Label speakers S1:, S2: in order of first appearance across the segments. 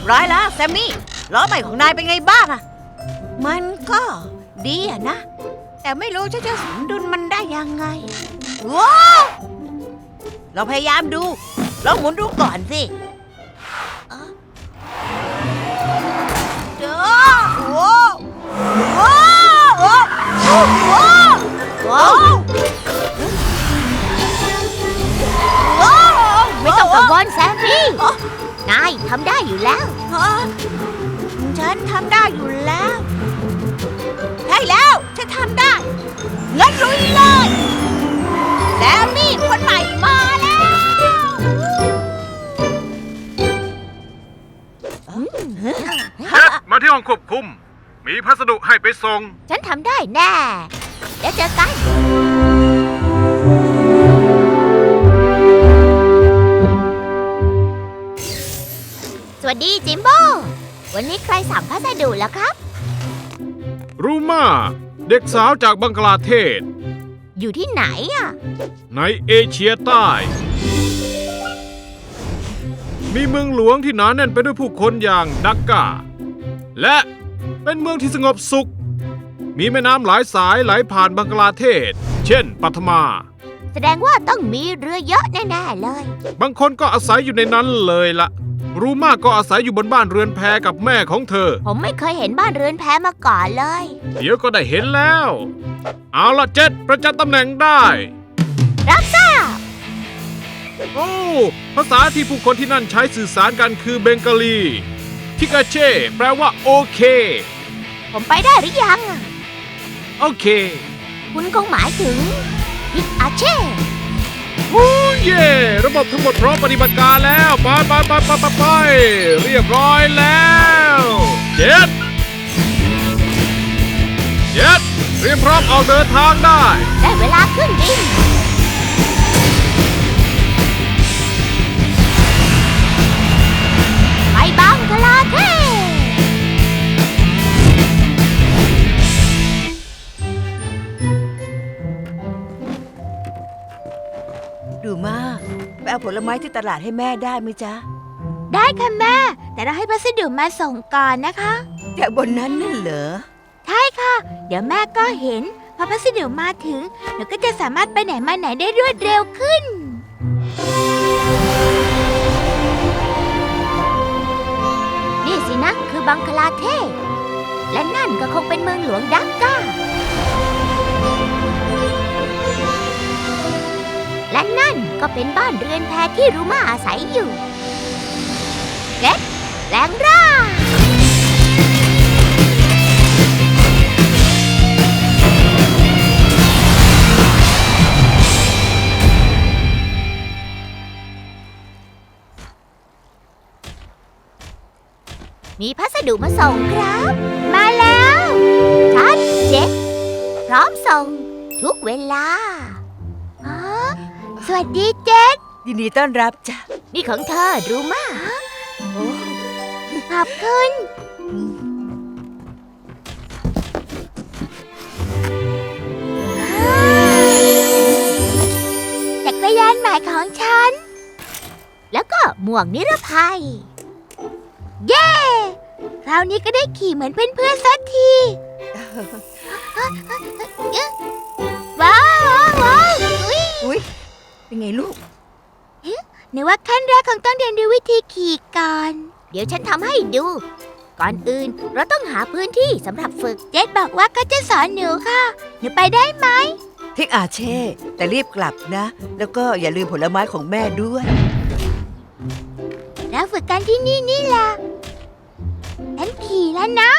S1: ร้อยแล้วแซมมี่ล้อใหม่ของนายเป็นไงบ้างอะมันก็ดีอะนะแต่ไม่รู้จะสมดุลมันได้ยังไงว้าวเราพยายามดูลองหมุนดูก่อนสิเด้อโอ้โหโอ้โหโอ้โหโอ้โห
S2: ไม่ต้องกังวลแซมมี่นายทำได้อยู่แล้ว
S1: ฉันทำได้อยู่แล้วใช่แล้วฉันทำได้งั้นลุยเลยแซมมี่คนใหม่มาแล้ว
S3: มาที่ห้องควบคุมมีพัสดุให้ไปส่ง
S2: ฉันทำได้แน่เดี๋ยวเจอกันสวัสดีจิมโบ้วันนี้ใครสั่งพัสดุแล้วครับ
S3: รูมาเด็กสาวจากบังกลาเทศ
S2: อยู่ที่ไหนอ่ะ
S3: ในเอเชียใต้ มีเมืองหลวงที่หนาแน่นไปด้วยผู้คนอย่างดักกาและเป็นเมืองที่สงบสุขมีแม่น้ำหลายสายไหลผ่านบังกลาเทศเช่นปัทมา
S2: แสดงว่าต้องมีเรือเยอะแน่ๆเลย
S3: บางคนก็อาศัยอยู่ในนั้นเลยละรูมาก็อาศัยอยู่บนบ้านเรือนแพกับแม่ของเธอ
S2: ผมไม่เคยเห็นบ้านเรือนแพมาก่อนเลย
S3: เดี๋ยวก็ได้เห็นแล้วเอาละเจ็ดประจำตำแหน่งได้
S2: รับทราบ
S3: โอ้ภาษาที่ผู้คนที่นั่นใช้สื่อสารกันคือเบงกาลีทิกาเช่แปลว่าโอเค
S2: ผมไปได้หรือยัง
S3: โอเค
S2: คุณคงหมายถึงทิกาเช่
S3: โอ้เย่ระบบทั้งหมดพร้อมปฏิบัติการแล้วไปเรียบร้อยแล้วเจ็ดเตรียมพร้อมออกเดินทางได้
S2: เวลาขึ้นบินไปบังกลาเทศ
S1: ดูมากไปเอาผลไม้ที่ตลาดให้แม่ได้ไหมจ๊ะ
S2: ได้ค่ะแม่แต่เราให้พัสดุมาส่งก่อนนะคะ
S1: จากบนนั้นนั่นเหรอ
S2: ใช่ค่ะเดี๋ยวแม่ก็เห็นพอพัสดุมาถึงหนูก็จะสามารถไปไหนมาไหนได้รวดเร็วขึ้นนี่สินะคือบังคลาเทศและนั่นก็คงเป็นเมืองหลวงดักกาและนั่นก็เป็นบ้านเรือนแพที่รูมาอาศัยอยู่เก็ตแรงร่ามีพัสดุมาส่งครับมาแล้วชัดเจ็ดพร้อมส่งทุกเวลาสวัสดีเจ็ด
S1: ยินดีต้อนรับจ้ะ
S2: นี่ของเธอรู้มาขอบคุณจักรยานใหม่ของฉันแล้วก็หมวกนิรภัยเย้คราวนี้ก็ได้ขี่เหมือนเพื่อนๆสักทีว้าว
S1: อุ๊ยเป็นไงลูก
S2: นึกว่าขั้นแรกคงต้องเรียนรู้วิธีขี่ก่อนเดี๋ยวฉันทำให้ดูก่อนอื่นเราต้องหาพื้นที่สำหรับฝึกเจดบอกว่าเขาจะสอนหนูค่ะหนูไปได้ไหม
S1: ทิกอาเช่แต่รีบกลับนะแล้วก็อย่าลืมผลไม้ของแม่ด้วย
S2: เราฝึกกันที่นี่แหละฉันขี่แล้วนะ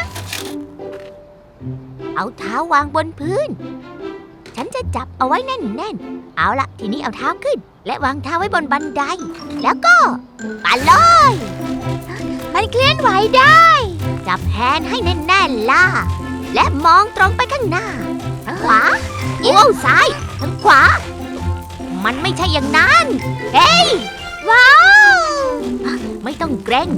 S2: เอาเท้าวางบนพื้นฉันจะจับเอาไว้แน่นๆเอาละทีนี้เอาเท้าขึ้นและวางเท้าไว้บนบันไดแล้วก็ปั่นเลยมันเคลื่อนไหวได้จับแฮนด์ให้แน่นๆล่ะและมองตรงไปข้างหน้าขวาโอ้ซ้ายทางขวามันไม่ใช่อย่างนั้นเฮ้ยว้าวไม่ต้องเกรง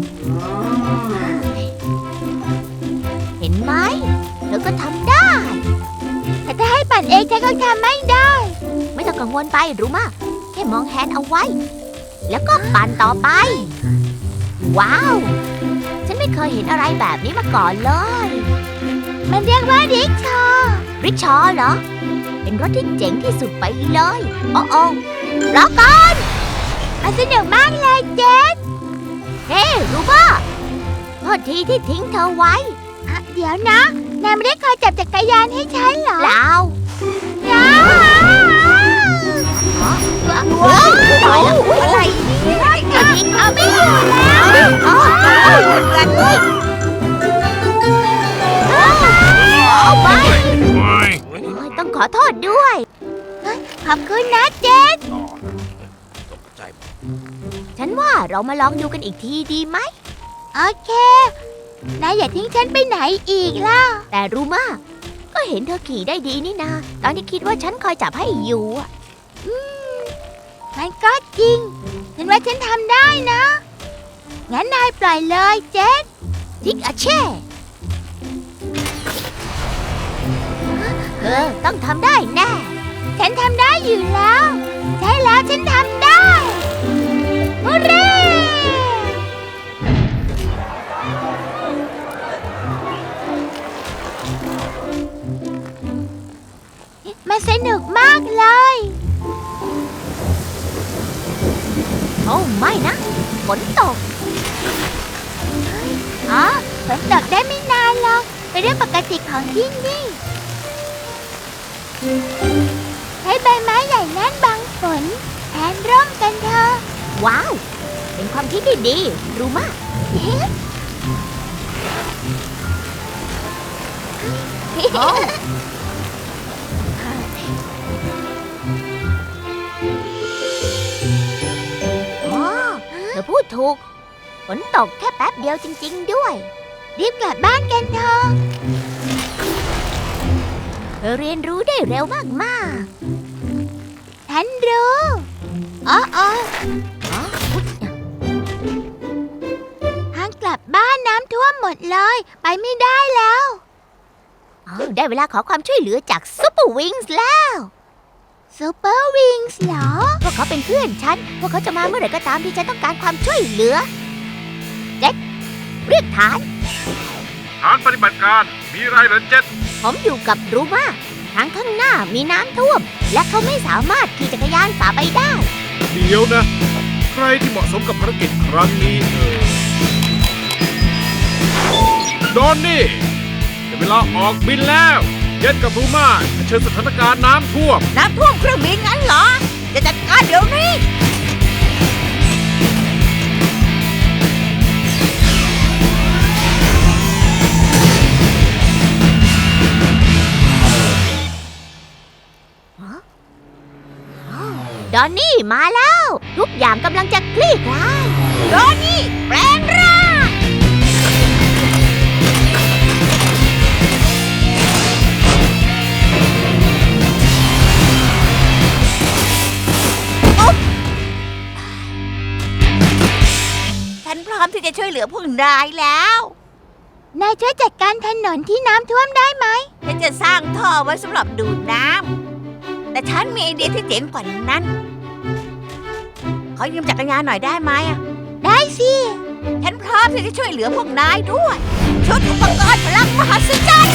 S2: เห็นไหมเธอก็ทำได้แต่ถ้าให้ปั่นเองฉันก็ทำไม่ได้ไม่ต้องกังวลไปรู้มากแค่มองแฮนด์เอาไว้แล้วก็ปั่นต่อไปว้าวฉไม่เคยเห็นอะไรแบบนี้มาก่อนเลย มันเรียกว่าริกชอเหรอ เป็นรถที่เจ๋งที่สุดไปเลยโอ้โอ้รอก่อนมันสนุกมากเลยเจสเฮ้รู้ป่ะโทษทีที่ทิ้งเธอไว้เดี๋ยวนะนายไม่ได้คอยจับจักรยานให้ฉันเหรอเปล่าว้าวตายแล้วอะไรเนี่ยทิ้งเอาไม่อยู่แล้วเอาไปต้องขอโทษด้วยขอบคุณนะเจสฉันว่าเรามาลองดูกันอีกทีดีไหมโอเคนายอย่าทิ้งฉันไปไหนอีกล่ะแต่รู้มาก็เห็นเธอขี่ได้ดีนี่นาตอนที่คิดว่าฉันคอยจับให้อยู่มันก็จริงฉันว่าฉันทำได้นะงั้นนายปล่อยเลยเจสทิกอาเช่ต้องทำได้แน่ฉันทำได้อยู่แล้วใช่แล้วฉันทำได้ฮูเร่มันสนุกมากเลยโอ้ไม่นะฝนตกฝนตกได้ไม่นานหรอกเป็นเรื่องปกติของที่นี่ใช้ใบไม้ใหญ่นั้นบังฝนแทนร่มกันเถอะว้าวเป็นความคิดที่ดีรู้มากเธอพูดถูกฝนตกแค่แป๊บเดียวจริงๆด้วยรีบกลับบ้านกันเถอะเธอเรียนรู้ได้เร็วมากๆฉันรู้ทางกลับบ้านน้ำท่วมหมดเลยไปไม่ได้แล้วได้เวลาขอความช่วยเหลือจากซูเปอร์วิงส์แล้วซูเปอร์วิงส์เหรอพวกเขาเป็นเพื่อนฉันพวกเขาจะมาเมื่อไหร่ก็ตามที่ฉันต้องการความช่วยเหลือเจ็ดเรียกฐาน
S3: ปฏิบัติการมีไรเหรอเจ็ด
S2: ผมอยู่กับรูมาทางข้างหน้ามีน้ำท่วมและเขาไม่สามารถขี่จักรยานฝ่าไปได้
S3: เดี๋ยวนะใครที่เหมาะสมกับภารกิจครั้งนี้ดอนนี่จะเวลาออกบินแล้วเจ็ดกับรูมาเชิญสถานการณ์น้ำท่วม
S1: เครื่องบินงั้นเหรอจะจัดการเดี๋ยวนี้
S2: ดอนนี่มาแล้วทุกอย่างกำลังจะคลี่คลาย
S1: ดอนนี่แปลงร่างฉันพร้อมที่จะช่วยเหลือพวกนายแล้ว
S2: นายช่วยจัดการถนนที่น้ำท่วมได้ไหม
S1: ฉันจะสร้างท่อไว้สำหรับดูดน้ำแต่ฉันมีไอเดียที่เจ๋งกว่านั้นขอยืมจักรยานหน่อยได้ไหม
S2: ได้สิ
S1: ฉันพร้อมที่จะช่วยเหลือพวกนายด้วยชุดอุปกรณ์พลังมหัศจรรย์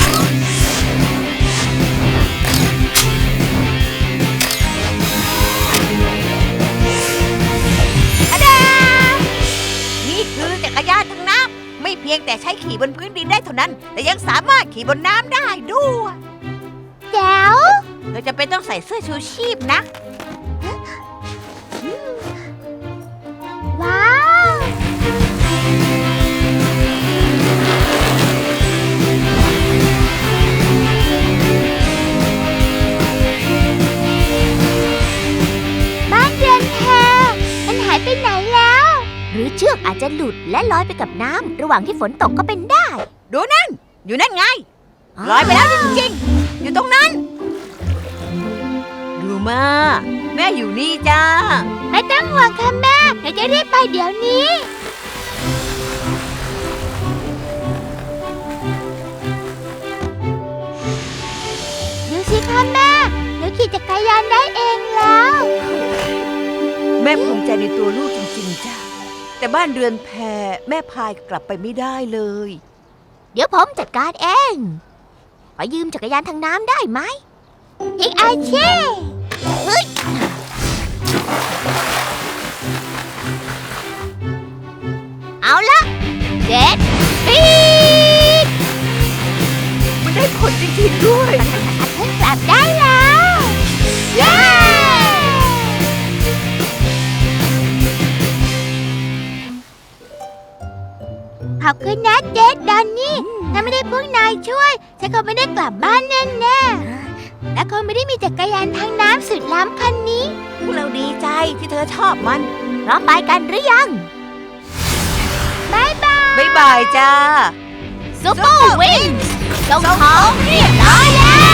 S1: นี่คือจักรยานทางน้ำไม่เพียงแต่ใช้ขี่บนพื้นดินได้เท่านั้นแต่ยังสามารถขี่บนน้ำได้ด้วย
S2: แจ๋ว
S1: เธอจะเป็นต้องใส่เสื้อชูชีพนะ
S2: ว้าวบ้านเรือนแพมันหายไปไหนแล้วหรือเชือกอาจจะหลุดและลอยไปกับน้ำระหว่างที่ฝนตกก็เป็นได้
S1: ดูนั่นอยู่นั่นไงลอยไปแล้วจริงๆอยู่ตรงนั้นดูมาแม่อยู่นี่จ้า
S2: ไม่ต้องห่วงค่ะแม่เดี๋ยวจะรีบไปเดี๋ยวนี้ดูสิค่ะแม่หนูขี่จักรยานได้เองแล้ว
S1: แม่ภูมิใจในตัวลูกจริงๆจ้าแต่บ้านเรือนแพแม่พายกลับไปไม่ได้เลย
S2: เดี๋ยวผมจัดการเองขอยืมจักรยานทางน้ำได้ไหมฮิกอาเช่เฮ้ยเอาละเจ็ดปีก
S1: มันได้ผลจริงๆด้วย
S2: ฉันกลับได้แล้ว เย้ ขอบคุณนะเจดดอนนี่ ถ้าไม่ได้พวกนายช่วย ฉันคงไม่ได้กลับบ้านแน่ๆ และคงไม่ได้มีจักรยานทางน้ำสุดล้ำคันนี้
S1: พวกเราดีใจที่เธอชอบมัน
S2: พร้อมไปกันหรือยังบายบาย
S1: บ๊ายบายจ้า
S2: ซุปเปอร์วิงส่งของเรียบร้อยแล้ว